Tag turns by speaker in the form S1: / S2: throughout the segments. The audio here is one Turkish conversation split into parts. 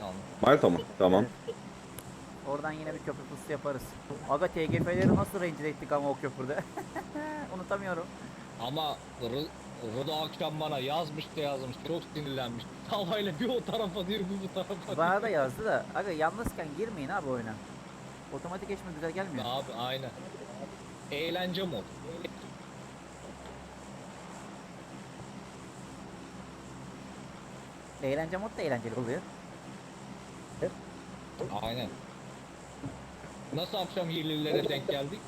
S1: Malta mı? Tamam.
S2: Evet. Oradan yine bir köprü pusu yaparız. Aga TGF'leri nasıl rencide ettik ama o köprüde. Unutamıyorum.
S3: Ama Rodo akşam bana yazmış da yazmış. Çok sinirlenmiş. Tavayla bir o tarafa diyor, bir bu tarafa
S2: Bana da
S3: diyor.
S2: yazdı da. Aga yalnızken girmeyin abi oyuna. Otomatik geçme güzel gelmiyor.
S3: Abi aynen. Eğlence mod.
S2: Eğlence mod da eğlenceli oluyor.
S3: Aynen. Nasıl akşam yerlilere denk geldik?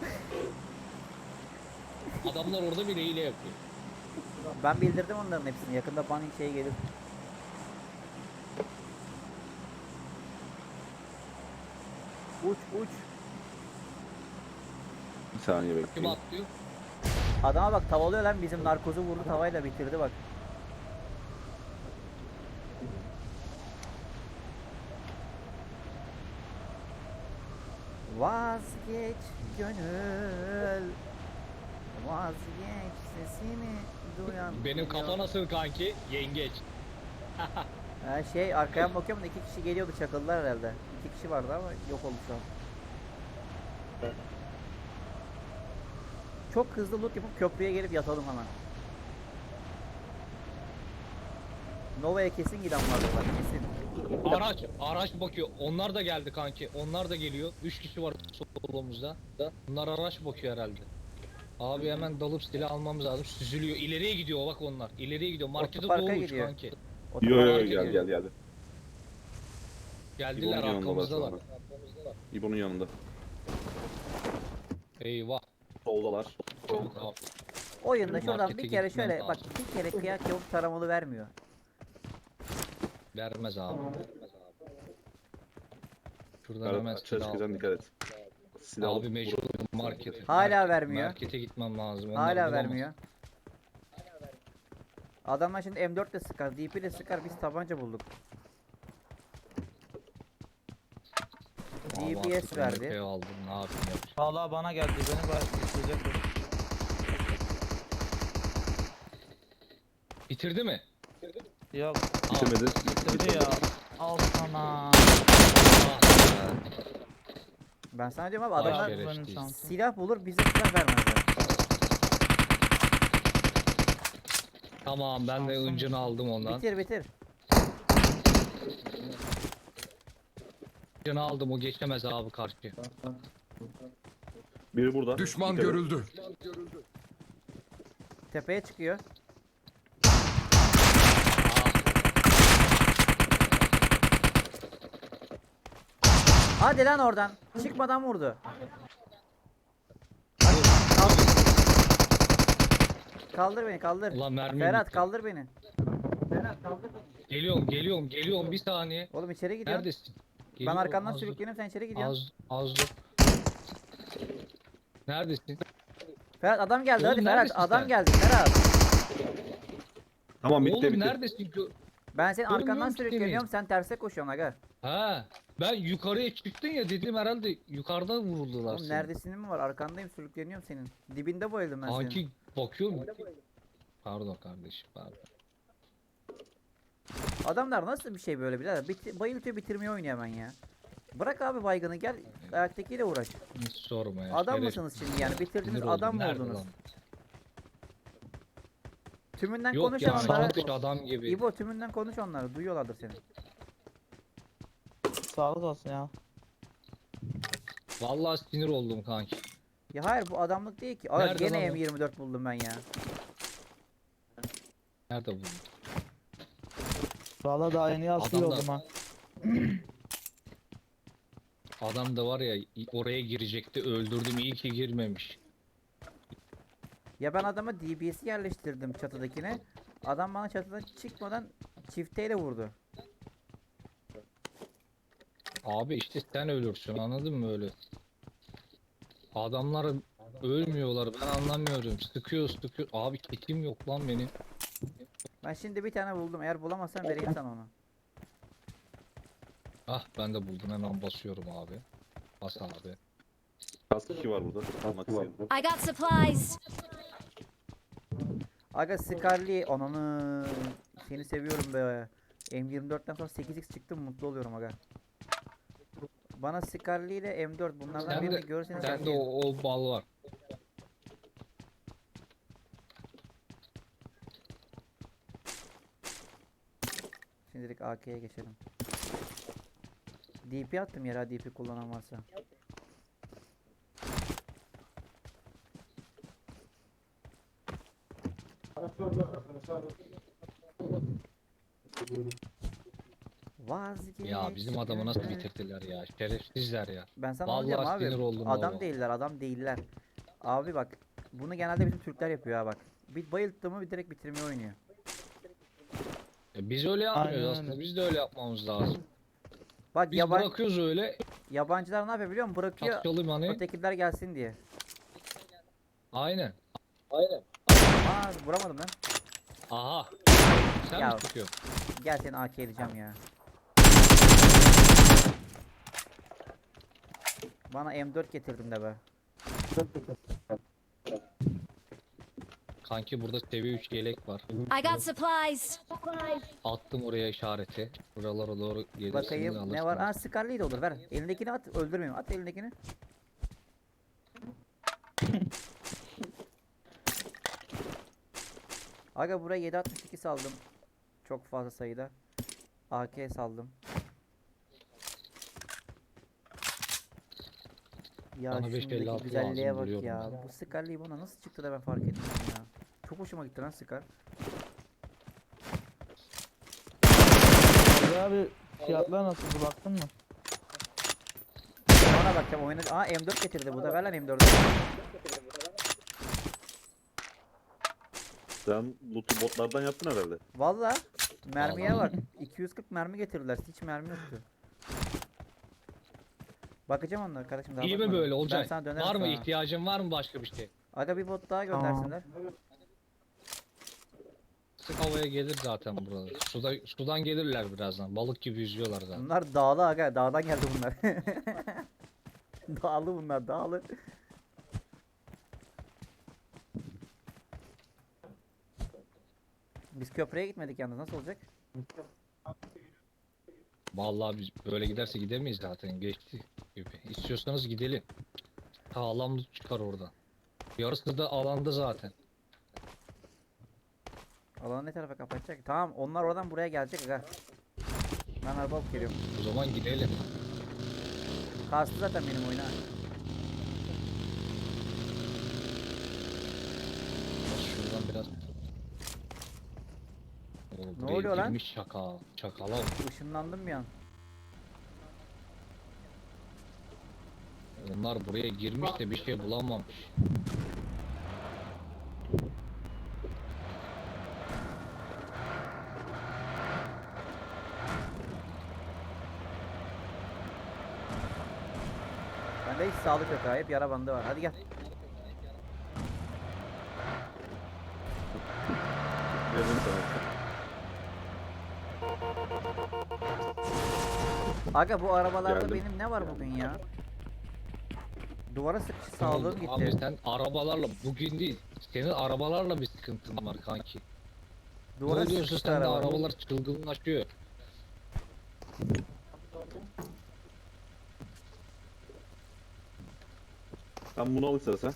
S3: Adamlar orada bile hile yapıyor.
S2: Ben bildirdim onların hepsini. Yakında banning şey gelir. Uç uç.
S1: Bir saniye
S3: Kim
S1: bekleyin.
S3: atlıyor?
S2: Adama bak tavalıyor lan, bizim narkozu vurdu tavayla bitirdi bak. Vazgeç gönül, vazgeç sesini duyan.
S3: Benim kafa nasıl kanki? Yengeç.
S2: Ha, şey arkaya bakıyorum da 2 kişi geliyordu, çakıldılar herhalde. 2 kişi vardı ama yok oldu şu an. Çok hızlı loot yapıp köprüye gelip yatalım hemen. Nova'ya kesin giden vardı bak, kesin.
S3: Araç bakıyor. Onlar da geldi kanki. Onlar da geliyor. 3 kişi var solumuzda. Bunlar araç bakıyor herhalde. Abi hemen dalıp silah almamız lazım. Süzülüyor. İleriye gidiyor bak onlar. İleriye gidiyor. Markete
S2: Otoparka
S3: doğru uç
S2: gidiyor.
S3: kanki.
S1: Yo
S2: Otoparka
S1: yo yo
S2: gidiyor.
S1: geldi.
S3: Geldiler,
S1: İbo'nun yanındalar şu
S3: arkamızdalar.
S1: anda. İbo'nun yanında.
S3: Eyvah.
S1: Soldalar.
S3: Çabuk abi.
S2: Oyunda şuradan
S3: Markete
S2: bir kere
S3: gitmem
S2: şöyle bak,
S3: lazım.
S2: bir kere kıyak yapıp taramalı vermiyor.
S3: Vermez abi. Şuradan
S1: Ferhat
S3: hemen
S1: açığa
S3: silah al.
S1: çıkacaksın, dikkat et. Silah
S3: Abi
S1: alıp
S3: mecbur
S1: vur.
S3: markete.
S2: Hala vermiyor.
S3: Markete gitmem lazım. Onlar
S2: Hala
S3: bulamaz.
S2: vermiyor. Adamlar şimdi M4 de sıkar, DP de sıkar, biz tabanca bulduk.
S3: Abi
S2: DBS
S3: artık
S2: verdi.
S3: MP aldım. Ne yapayım yapacağım.
S4: Vallahi bana geldi. Beni başlayacak.
S3: Bitirdi mi?
S4: Yok.
S1: Bitirmedi.
S4: Bitirdi ya. Al sana.
S3: Ah,
S2: Ben sana diyorum abi,
S3: Vay
S2: adamlar
S3: şerefsiz.
S4: Benim şansım.
S2: silah bulur, bize silah vermezler.
S3: Tamam, ben de
S4: Şansım.
S3: öncünü aldım ondan.
S2: Bitir bitir.
S3: Öncünü aldım, o geçemez abi karşı.
S1: Biri burada.
S5: Düşman
S1: Dikkat et.
S5: görüldü.
S2: Tepeye çıkıyor. Hadi lan oradan. Çıkmadan vurdu. Kaldır beni, kaldır.
S3: Ulan mermi
S2: Ferhat
S3: bitti.
S2: kaldır beni.
S3: Geliyorum bir saniye.
S2: Oğlum içeri gidiyorum.
S3: Neredesin?
S2: Ben
S3: Geliyorum,
S2: arkandan
S3: az dur.
S2: sürükleniyorum, sen içeri gidiyorsun.
S3: Az dur. Neredesin?
S2: Ferhat adam geldi,
S3: Oğlum
S2: hadi Ferhat
S3: neredesin
S2: adam
S3: sen?
S2: geldi Ferhat.
S1: Tamam bitti
S3: Oğlum
S1: bitti.
S3: neredesin?
S2: Ben senin arkandan
S3: Görmüyorum ki
S2: sürükleniyorum, sen terse koşuyorsun aga.
S3: Ha, ben yukarıya çıktın ya dedim, herhalde yukarıdan vuruldular
S2: Oğlum
S3: seni.
S2: neredesinin mi var? Arkandayım, sürükleniyorum senin. Dibinde bayıldım ben senin.
S3: Kanki bakıyorum. Pardon kardeşim, pardon.
S2: Adamlar nasıl bir şey böyle birader? Bayıltıyor, bitirmeyi oynuyor hemen ya. Bırak abi baygını, gel ayaktakiyle uğraş.
S3: Hiç sorma ya.
S2: Adam
S3: şeref-
S2: mısınız şimdi yani? Bitirdiniz,
S3: Sinir oldum.
S2: adam mı
S3: Nerede
S2: oldunuz?
S3: lan?
S2: Tümünden
S3: Yok
S2: konuş
S3: ya,
S2: onlara.
S3: sanki adam gibi.
S2: İbo tümünden konuş onları, duyuyorlardır seni.
S4: Sağlık olsun ya.
S3: Vallahi sinir oldum kanki.
S2: Ya hayır, bu adamlık değil ki. Aa,
S3: Nerede
S2: gene
S3: lan o?
S2: M24 buldum ben ya.
S3: Nerede bu?
S4: Vallahi daha yeni asıl
S3: Adamlar-
S4: oldum ha.
S3: Adam da var ya, oraya girecekti, öldürdüm, iyi ki girmemiş.
S2: Ya ben adama DBS'i yerleştirdim çatıdakine. Adam bana çatıdan çıkmadan çifteyle vurdu.
S3: Abi işte sen ölürsün, anladın mı öyle? Adamlar ölmüyorlar, ben anlamıyorum. Sıkıyor. Abi kitim yok lan benim.
S2: Ben şimdi bir tane buldum. Eğer bulamazsam vereyim sana onu.
S3: Ah, ben de buldum, hemen basıyorum abi. Bas abi.
S1: Kask 2 var burada. Almak istedim.
S6: I got supplies.
S2: Aga Scarly, ananı seni seviyorum be. M24'ten sonra 8x çıktı mutlu oluyorum aga. Bana Scarlet ile M4 bunlardan
S3: Sen
S2: birini
S3: de,
S2: görürseniz
S3: sen de
S2: yazayım.
S3: o bal var.
S2: Şimdilik AK'ye geçelim. DP attım yere, DP kullanan varsa. Vazgeç.
S3: Ya bizim adamı nasıl bitirdiler ya. Şerefsizler ya.
S2: Ben sana onu
S3: Vallahi
S2: diyorum abi.
S3: sinir oldum
S2: Adam
S3: valla.
S2: değiller, adam değiller. Abi bak, bunu genelde bizim Türkler yapıyor ha bak. Bir bayılttı mı bir direkt bitirmeyi oynuyor.
S3: Biz öyle yapmıyoruz
S4: Aynen
S3: aslında.
S4: öyle.
S3: Biz de öyle yapmamız lazım.
S2: Bak
S3: Biz bırakıyoruz öyle.
S2: yabancılar ne yapıyor biliyor musun? Bırakıyor
S3: Atkalım hani.
S2: ötekiler gelsin diye.
S3: Aynen.
S2: Aa vuramadım ben.
S3: Aha. Sen
S2: Ya.
S3: mi çıkıyorsun?
S2: Gel seni AK edeceğim ya. Bana M4 getirdim de be.
S3: Kanki burada seviye 3 yelek var.
S5: I got supplies.
S3: Attım oraya işareti. Buralara doğru gelirsiniz
S2: Bakayım ne var? Aa Scarlet de olur, ver. Elindekini at, öldürmeyeyim. At elindekini. Aga buraya 7.62 saldım. Çok fazla sayıda. AK saldım. Ya
S3: Bana
S2: şundaki
S3: 5.56
S2: güzelliğe
S3: lazım,
S2: bak
S3: biliyorum
S2: ya.
S3: ben.
S2: Bu Scarlet bana nasıl çıktı da ben fark etmedim ya. Çok hoşuma gitti lan Scar.
S4: Abi fiyatlar nasıl baktın mı?
S2: Bana bakacağım oyuna. Aa M4 getirdi bu da, ver lan M4'ü.
S1: Sen loot'u botlardan yaptın herhalde.
S2: Valla mermiye
S3: Vallahi.
S2: bak. 240 mermi getirdiler. Hiç mermi yoktu. Bakacağım onlara kardeşim, daha
S3: İyi mi
S2: bakmadım.
S3: böyle
S2: Ben
S3: olacak?
S2: sana dönerim
S3: Var mı
S2: sonra.
S3: ihtiyacın var mı başka bir şey?
S2: Aga bir bot daha
S4: Tamam.
S2: göndersinler.
S3: Sık havaya gelir zaten buralar. Sudan gelirler birazdan. Balık gibi yüzüyorlar zaten.
S2: Bunlar dağlı aga. Dağdan geldi bunlar. Dağlı bunlar, dağlı. Biz köprüye gitmedik yalnız, nasıl olacak?
S3: Vallahi biz böyle giderse gidemeyiz zaten. Geçti gibi. İstiyorsanız gidelim. Sağlam loot çıkar oradan. Yarısı da alanda zaten.
S2: Alanı ne tarafa kapatacak? Tamam, onlar oradan buraya gelecek aga. Ben araba alıp geliyorum.
S3: O zaman gidelim.
S2: Kastı zaten benim oyuna.
S3: Şuradan biraz. Oo,
S2: Ne
S3: buraya
S2: oluyor lan?
S3: girmiş Çakal. Çakala.
S2: Işınlandım bir an.
S3: Onlar buraya girmiş de bir şey bulamamış.
S2: Bende hiç sağlık yok ha. Hep yara bandı var. Hadi gel.
S1: Verdim sana.
S2: Aga bu arabalarda
S1: Geldim.
S2: benim ne var bugün ya? Duvara sıkışı sağlığım
S3: Abi
S2: gitti.
S3: sen arabalarla bugün değil. Senin arabalarla bir sıkıntın var kanki. Ne
S2: Duvara
S3: oluyorsa
S2: sıkıştı
S3: sende
S2: araba.
S3: arabalar çılgınlaşıyor.
S1: Sen bunu al istersen.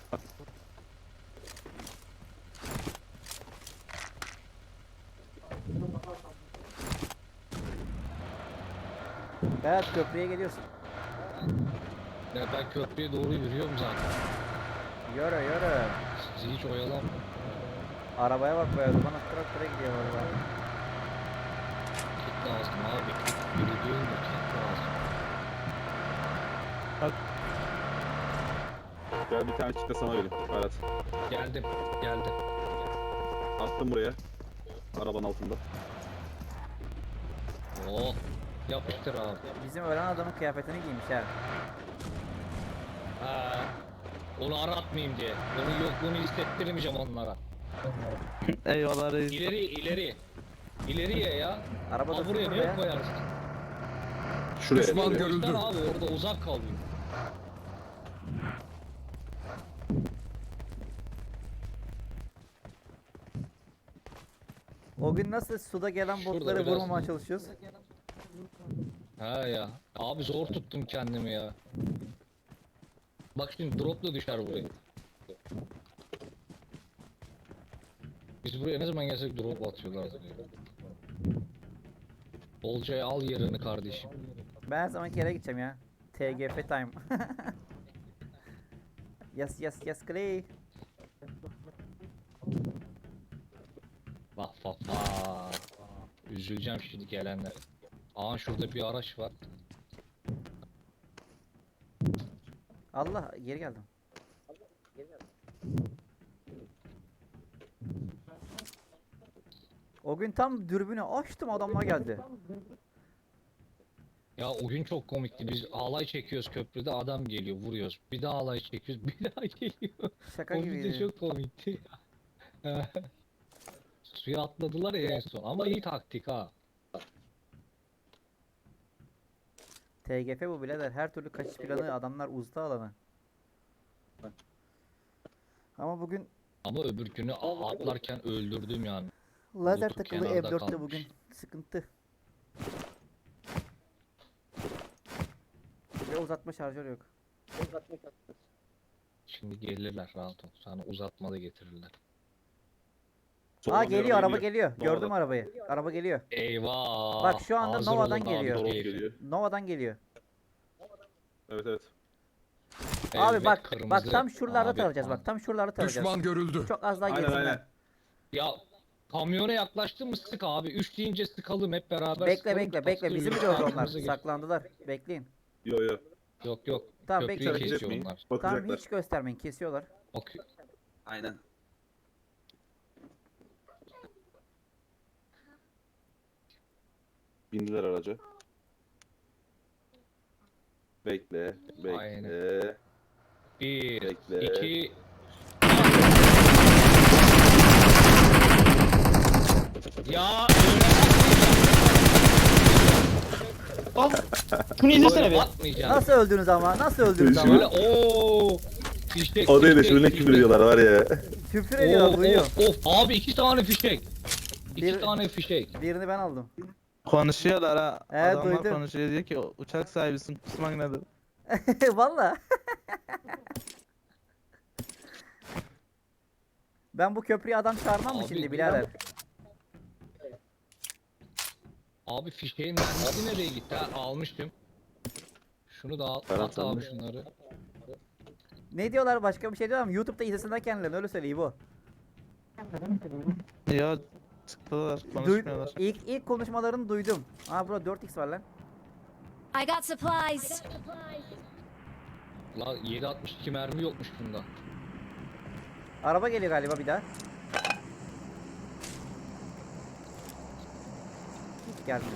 S2: Berat köprüye geliyorsun.
S3: Ya ben köprüye doğru yürüyorum zaten.
S2: Yürü yürü.
S3: Sizi hiç oyalanma.
S2: Arabaya bak be. Bana traktöre gidiyor valla.
S3: Kit lazım abi. Kit yürüdüğün de kit lazım.
S1: Gel bir tane çıktı sana vereyim. Berat.
S3: Geldim. Geldim.
S1: Attım buraya. Arabanın altında.
S3: Oo. Yapıştır abi.
S2: Bizim ölen adamın kıyafetini giymiş ha.
S3: Ha. Onu aratmayayım diye. Onun yokluğunu hissettirmeyeceğim onlara.
S4: Eyvallah reis.
S3: İleri ileri. İleriye ya.
S2: Araba da
S3: Aa, buraya
S2: sıfır
S3: ne
S2: be.
S3: koyarız?
S1: Şuraya.
S3: Düşman
S1: şuraya.
S3: görüldü. Abi orada uzak kalıyor.
S2: O gün nasıl suda gelen
S3: Şurada
S2: botları
S3: biraz-
S2: vurmamaya çalışıyoruz?
S3: Ha ya. Abi zor tuttum kendimi ya. Bak şimdi drop da düşer buraya. Biz buraya ne zaman gelsek drop atıyorlar. Olcay al yerini kardeşim.
S2: Ben her zamanki yere gideceğim ya. TGF time. Yes Clay.
S3: Bak bak bak. Üzüleceğim şimdi gelenler. Aa şurada bir araç var.
S2: Allah geri geldim. O gün tam dürbünü açtım adamlar geldi.
S3: Ya o gün çok komikti. Biz alay çekiyoruz köprüde adam geliyor vuruyoruz. Bir daha alay çekiyoruz bir daha geliyor.
S2: Şaka
S3: O video
S2: gibiydi.
S3: çok komikti. Suya atladılar ya en son ama iyi taktik ha.
S2: TGF bu birader. Her türlü kaçış planı adamlar uzdu alanı. Ama bugün
S3: Ama öbür günü atlarken öldürdüm yani.
S2: lazer
S3: Bluetooth
S2: takılı
S3: kenarda
S2: M4'te
S3: kalmış.
S2: bugün. Sıkıntı. Ve uzatma şarjör yok.
S3: Şimdi gelirler rahat ol. Sana uzatma da getirirler.
S2: Aa
S1: Soldan bir
S2: geliyor araba
S1: geliyor.
S2: geliyor. Gördüm
S1: Nova'dan.
S2: arabayı. Araba geliyor.
S3: Eyvah.
S2: Bak şu anda
S3: Hazır
S2: Nova'dan
S3: olun abi,
S2: geliyor.
S3: dur
S1: Drop
S3: herif.
S1: geliyor.
S2: Nova'dan geliyor.
S1: Evet evet.
S2: Abi
S3: Evet,
S2: bak
S3: kırmızı.
S2: tam şuralarda
S3: Abi,
S2: tarayacağız
S3: abi.
S2: bak. Tam şuralarda tarayacağız.
S5: Düşman görüldü.
S2: Çok az daha
S1: Aynen
S2: gerisinler.
S1: aynen.
S3: Ya kamyona yaklaştın mı sık abi. 3 deyince sıkalım hep beraber.
S2: Bekle
S3: sıkalım,
S2: bekle bekle.
S3: taktır
S2: Bizi mi
S3: bir
S2: gördü onlar?
S3: arkamıza geç.
S2: Saklandılar. Bekleyin.
S1: Yo yo.
S3: Yok yok.
S2: Tamam,
S3: Köprüyü
S2: bekle.
S1: Hareket
S3: kesiyor
S1: etmeyin.
S3: onlar.
S2: Tamam
S1: Bakacaklar.
S2: hiç göstermeyin. Kesiyorlar.
S3: Bakıyor.
S1: Aynen. Bindiler araca. Bekle, bekle,
S3: Aynen. 1,
S1: bekle.
S3: 2. Ya
S4: Bunu izlesene
S3: öyle
S4: be.
S3: atmayacaksın.
S2: Nasıl öldünüz ama? Nasıl öldünüz
S3: Şöyle
S2: ama?
S3: ooo. Fişek.
S1: O değil de
S3: fişek,
S1: şöyle
S3: fişek.
S1: küfür ediyorlar var ya.
S2: Küfür ediyorlar
S3: Of
S2: duyuyor.
S3: of abi 2 tane fişek. 2
S2: Bir-
S3: tane fişek.
S2: Birini ben aldım.
S4: Konuşuyorlar ha. Adamlar
S2: duydum.
S4: konuşuyor diyor ki uçak sahibisin kusmak nedir?
S2: Valla. Ben bu köprüye adam çağırmam mı
S3: Abi,
S2: şimdi birader?
S3: Abi fişeğin mermisi nereye gitti? Ha, almıştım. Şunu da al.
S1: Ferhat
S3: At abi
S1: sen de.
S3: şunları.
S2: Ne diyorlar başka bir şey diyorlar mı? YouTube'da izlesinler kendilerini öyle söyleyeyim bu.
S4: Ya çıktılar konuşmuyorlar.
S2: İlk konuşmalarını duydum. Aa bro 4x var lan.
S6: I got supplies.
S3: La 7.62 mermi yokmuş bunda.
S2: Araba geliyor galiba bir daha. Hiç gelmiyor.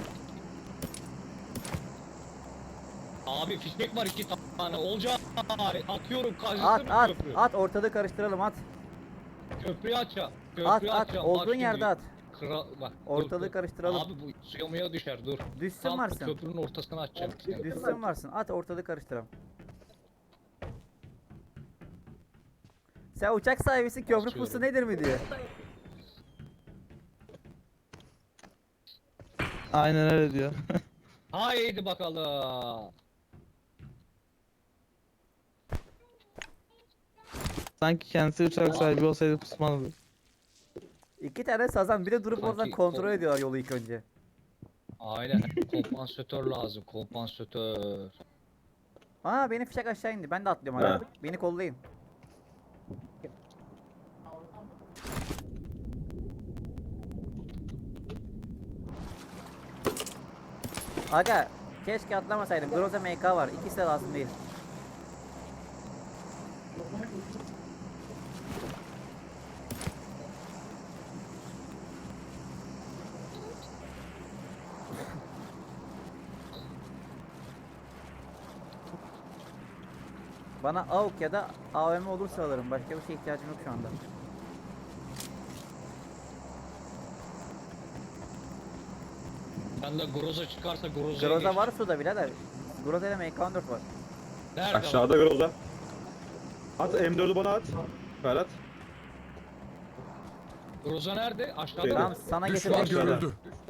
S3: Abi fişek var 2 tane. Olacak. Atıyorum
S2: At
S3: karşısına
S2: at
S3: köprü.
S2: at ortalığı karıştıralım at.
S3: Köprüyü açacağım.
S2: At
S3: Köprüyü
S2: at
S3: açacağım. Bak
S2: olduğun
S3: şimdi.
S2: yerde at.
S3: Bak,
S2: Ortalığı
S3: dur.
S2: karıştıralım.
S3: Abi bu suya muya düşer dur.
S2: Düşsün
S3: Tam
S2: varsın.
S3: köprünün ortasına açacağım.
S2: Düşsün varsın. At ortalığı karıştıralım. Sen uçak sahibisin köprü
S3: Atıyorum.
S2: pusu nedir mi diyor.
S4: Aynen öyle diyor.
S3: Haydi bakalım.
S4: Sanki kendisi uçak sahibi olsaydı kusmalıdır.
S2: 2 tane sazan biri durup oradan
S3: Sanki
S2: kontrol ediyorlar yolu ilk önce.
S3: Aynen. Kompansatör lazım. Kompansatör.
S2: Aa benim fişek aşağı indi. Ben de atlıyorum
S1: Ha.
S2: hala. Beni kollayın. Aga keşke atlamasaydım. Groza MK var. İkisi de lazım değil. Bana AUK ya da AVM olursa alırım. Başka bir şeye ihtiyacım yok şu anda.
S3: Ben de Groza çıkarsa Groza'ya
S2: Groza
S3: geç.
S2: var suda birader. Groza ile MK14 var.
S3: Nerede?
S1: Aşağıda Groza. At M4'ü bana at. Ferhat.
S3: Groza nerede? Aşağıda
S1: Tamam.
S3: mı?
S2: Tamam sana
S5: Düşman
S2: getirdim.
S5: görüldü.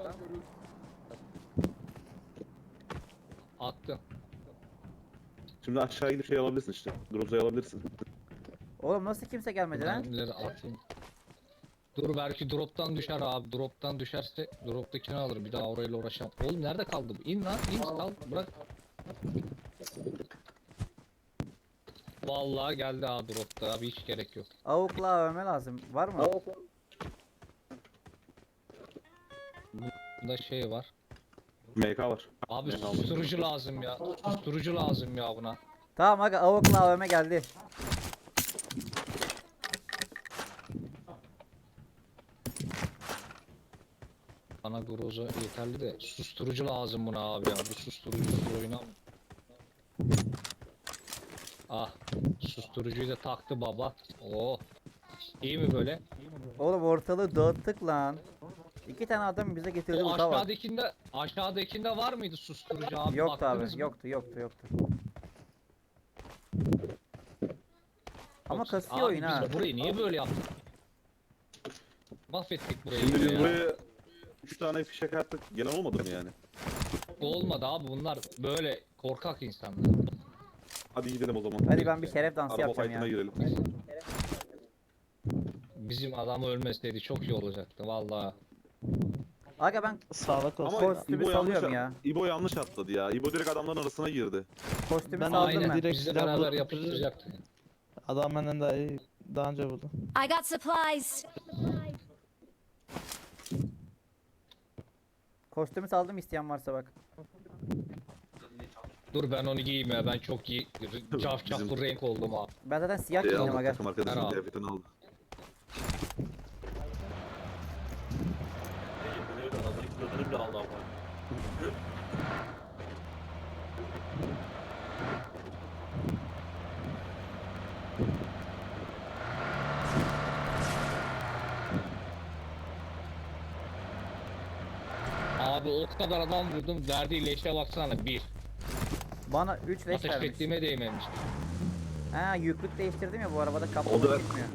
S3: Attım.
S1: Şimdi aşağı gidip şey alabilirsin işte. Groza'yı alabilirsin.
S2: Oğlum nasıl kimse gelmedi lan?
S3: Mermileri atayım. Dur belki drop'tan düşer abi. Drop'tan düşerse drop'takini alır. Bir daha orayla uğraşamam. Oğlum nerede kaldı bu? İn lan. İn kal. Bırak. Vallahi geldi ha drop'ta abi hiç gerek yok.
S2: Avukla övme lazım. Var mı?
S3: Bunda şey var.
S1: MK var.
S3: Abi
S1: Ben aldım.
S3: susturucu lazım ya. Susturucu lazım ya buna.
S2: Tamam aga avukla övme geldi.
S3: Bana groza yeterli de susturucu lazım buna abi ya. Bu susturucusuz oynam. Ah, susturucuyu da taktı baba. Oh. İyi mi böyle?
S2: Oğlum ortalığı dağıttık lan. 2 tane adam bize getirdi
S3: O
S2: bu tava.
S3: aşağıdakinde var mıydı susturucu abi?
S2: Yoktu
S3: Baktınız
S2: abi.
S3: mı?
S2: Yoktu. Ama
S3: Yoksa-
S2: kasıyor
S3: abi
S2: oyun
S3: biz
S2: ha.
S3: burayı niye böyle yaptık? Mahvettik burayı
S1: Şimdi
S3: yine
S1: biz
S3: ya.
S1: buraya 3 tane fişek attık. Gelen olmadı mı yani?
S3: Olmadı abi bunlar böyle korkak insanlar.
S1: Hadi gidelim o zaman.
S2: Hadi ben bir şeref dansı
S1: Araba
S2: yapacağım
S1: fight'ına
S2: ya.
S1: girelim.
S3: Bizim adam ölmeseydi çok iyi olacaktı vallahi.
S2: Aga ben
S4: Sağlık olsun.
S1: Ama
S2: Kostümü
S1: İbo yanlış,
S2: salıyorum ya.
S1: İbo yanlış atladı ya. İbo direkt adamların arasına girdi.
S2: kostümü
S4: Ben
S2: saldım
S3: Aynen
S2: ben.
S4: direkt
S3: bizle
S4: silah
S3: beraber
S4: bulup-
S3: yapıştıracaktı.
S4: Adam benden daha iyi. Daha önce buldu.
S6: I got supplies.
S2: Kostümü saldım isteyen varsa bak.
S3: Dur ben onu giyeyim ya ben çok iyi cafcaflı renk oldum abi.
S2: Ben zaten siyah
S1: Şey
S2: giyindim
S1: aldı,
S2: aga.
S1: takım arkadaşının
S3: Merhaba.
S1: kıyafetini aldı.
S3: Abi o kadar adam vurdum verdiği leşe baksana bir.
S2: Bana 3 leş
S3: Ateş
S2: vermiş.
S3: ettiğime değmemiş.
S2: Ha yüklük değiştirdim ya bu arabada
S1: O
S2: kaplama
S1: da-
S2: gitmiyor.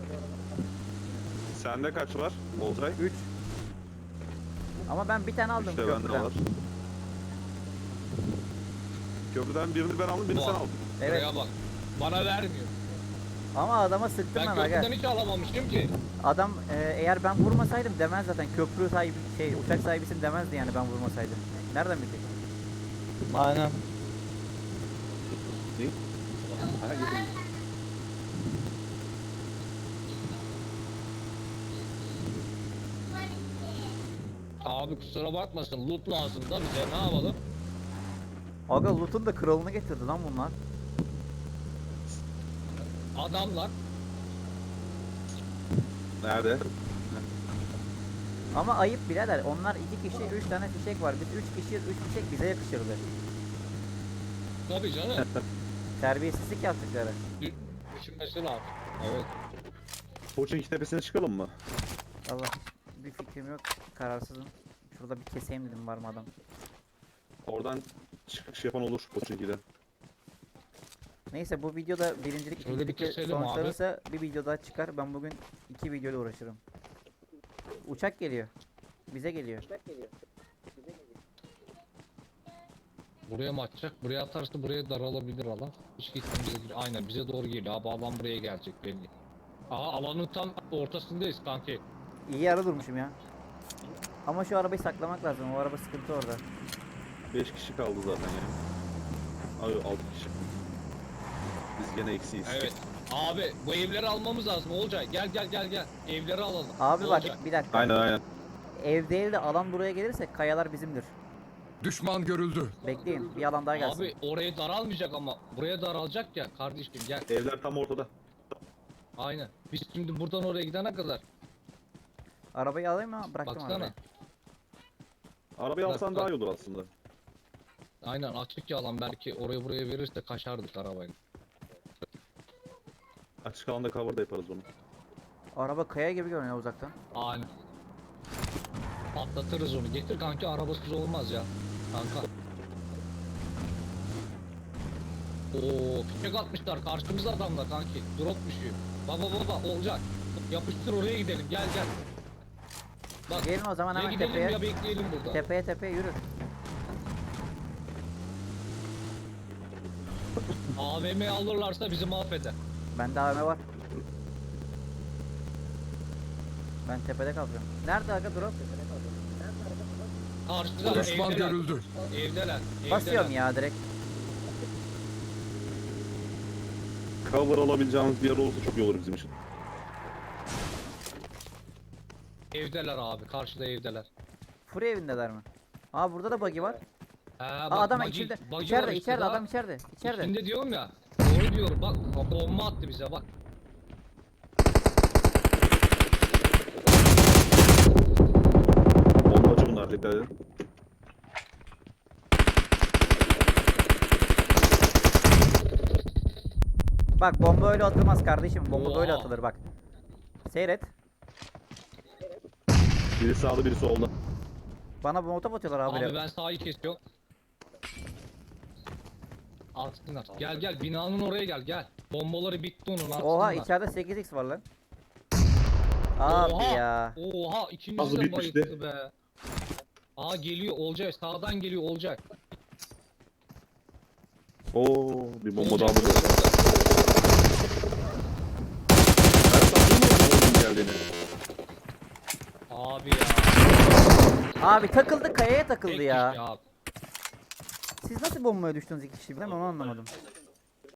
S1: Sende kaç var? Olcay?
S2: 3. Ama ben bir tane aldım
S1: 3 de bende
S2: köprüden.
S1: var. Köprüden birini ben aldım, birini sen
S3: Vay.
S1: aldın.
S2: Evet.
S3: Buraya bak. Bana vermiyor.
S2: Ama adama sıktım
S3: Ben
S2: ben aga.
S3: köprüden hiç alamamıştım ki.
S2: Adam eğer ben vurmasaydım demez zaten köprü sahibi uçak sahibisin demezdi yani ben vurmasaydım. Nereden bilecek?
S4: Aynen.
S1: Ha, gidin.
S3: Abi kusura bakmasın loot lazım da bize ne yapalım?
S2: Aga loot'un da kralını getirdi lan bunlar.
S3: Adamlar
S1: Nerede?
S2: Ama ayıp birader. Onlar 2 kişi 3 tane fişek var. Biz 3 kişiyiz 3 fişek bize yakışırdı.
S3: tabii canım.
S2: Terbiyesizlik yaptıkları.
S3: Düşünmesi lazım. Evet.
S1: Koçing tepesine çıkalım mı?
S2: Allah bir fikrim yok. Kararsızım. Şurada bir keseyim dedim var mı adam.
S1: Oradan çıkış yapan olur Koçing'den.
S2: Neyse bu videoda birincilik
S3: Şöyle bir
S2: ikincilik
S3: keselim abi.
S2: sonuçlanırsa bir video daha çıkar. Ben bugün 2 videoyla uğraşırım. Uçak geliyor. Bize geliyor.
S3: Buraya mı atacak? Buraya atarsa buraya daralabilir alan. Hiç gitmemize değil. Aynen bize doğru geliyor. Abi alan buraya gelecek belli. Aha alanın tam ortasındayız kanki.
S2: İyi yere durmuşum ya. Ama şu arabayı saklamak lazım. O araba sıkıntı orada.
S1: 5 kişi kaldı zaten yani. Ay 6 kişi. Biz gene eksiyiz.
S3: Evet. Abi bu evleri almamız lazım. Olcay gel gel gel gel. Evleri alalım.
S2: Abi bak
S3: Olcay.
S2: bir dakika.
S1: Aynen.
S2: Ev değil de alan buraya gelirse kayalar bizimdir.
S5: Düşman görüldü.
S2: Bekleyin bir alan daha gelsin.
S3: Abi oraya daralmayacak ama. Buraya daralacak ya kardeşim gel.
S1: Evler tam ortada.
S3: Aynen. Biz şimdi buradan oraya gidene kadar.
S2: Arabayı alayım mı? Bıraktım
S3: Baksana.
S2: arabayı.
S1: Arabayı alsan
S3: Bak.
S1: daha iyi olur aslında.
S3: Aynen açık ya alan belki oraya buraya verirse kaçardık arabayla.
S1: Açık alanda cover da yaparız onu.
S2: Araba kaya gibi görünüyor uzaktan.
S3: Aynen. Patlatırız onu. Getir kanki arabasız olmaz ya. Kanka. Oo, fişek atmışlar karşımıza adamlar kanki. Drop düşüyor. Baba olacak. Yapıştır oraya gidelim. Gel gel. Bak.
S2: Gelin o zaman
S3: Ya
S2: hemen
S3: gidelim
S2: tepeye.
S3: ya bekleyelim burada.
S2: Tepeye yürü.
S3: AVM alırlarsa bizi mahveder.
S2: Bende AVM var. Ben tepede kalacağım. Nerede aga drop?
S3: Karşıda
S5: Düşman
S3: evdeler.
S5: görüldü.
S3: Evdeler.
S2: Basıyorum
S3: evdeler.
S2: ya direkt.
S1: Cover alabileceğimiz bir yer olursa çok iyi olur bizim için.
S3: Evdeler abi. Karşıda evdeler.
S2: Furi evindeler mi? Aa burada da buggy var.
S3: Ha,
S2: Aa adam
S3: buggy-
S2: içeride.
S3: buggy var
S2: İçeride
S3: işte
S2: içeride
S3: daha.
S2: adam içeride. İçeride.
S3: Şimdi diyorum ya. Doğru diyorum. Bak bomba attı bize bak.
S1: Bombacı bunlar, dikkat edin.
S2: Bak bomba öyle atılmaz kardeşim. Bomba böyle
S3: Oha.
S2: atılır bak. Seyret.
S1: Biri sağda, biri solda.
S2: Bana molotof atıyorlar abi.
S3: Abi ben sağı kesiyorum. Atsınlar. Gel gel binanın oraya gel. Bombaları bitti onun atsınlar.
S2: Oha içeride 8x var lan. Abi
S3: Oha.
S2: ya.
S3: Oha ikimiz
S1: Nasıl
S3: de
S1: bitmişti?
S3: bayıldı be. Aa geliyor Olcay sağdan geliyor Olcay.
S1: Oo, bir bomba
S3: Olcay
S1: daha burada.
S3: burada.
S1: Ben sanmıyorum onun geldiğini.
S3: Abi ya.
S2: Abi takıldı kayaya takıldı
S3: Tek
S2: ya.
S3: kişi abi.
S2: Siz nasıl bombaya düştünüz iki kişi birden onu anlamadım.